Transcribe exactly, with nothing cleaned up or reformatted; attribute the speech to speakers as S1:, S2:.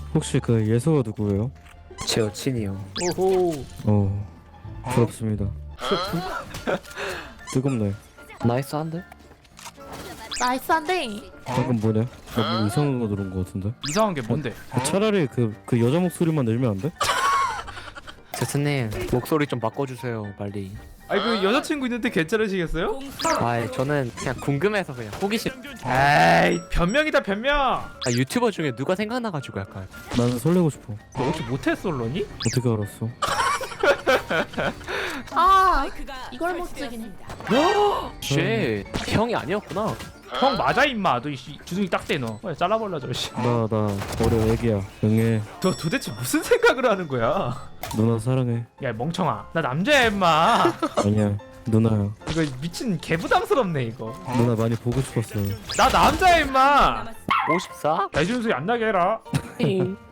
S1: 혹시 그 예서가 누구예요?
S2: 제 여친이요.
S3: 오호.
S1: 어 부럽습니다. 뜨겁네.
S2: 나이스한데?
S4: 나이스한데.
S1: 방금 뭐냐? 너무 이상한 거 들은 거 같은데?
S3: 이상한 게 뭔데?
S1: 차라리 그, 그 여자 목소리만 내면 안 돼?
S2: 제스님 목소리 좀 바꿔주세요 빨리.
S3: 아니 그 여자친구 있는데 괜찮으시겠어요?
S2: 아 저는 그냥 궁금해서 그냥 호기심.
S3: 에이 변명이다 변명.
S2: 아 유튜버 중에 누가 생각나가지고 약간.
S1: 나는 설레고 싶어.
S3: 너 혹시 모태 솔로니?
S1: 어떻게 알았어?
S4: 아 이걸 못 쓰긴 해.
S2: 쉣 형이 아니었구나.
S3: 형 맞아 임마. 너 이씨 주둥이 딱 대 너. 빨리 잘라버려 저 씨.
S1: 나 나 어려 애기야. 응애.
S3: 너 도대체 무슨 생각을 하는 거야?
S1: 누나 사랑해.
S3: 야 멍청아. 나 남자야 임마.
S1: 아니야 누나야.
S3: 이거 미친 개부담스럽네 이거.
S1: 누나 많이 보고 싶었어.
S3: 나 남자야 임마.
S2: 오십사?
S3: 나 이런 소리 안 나게 해라.
S2: 잉.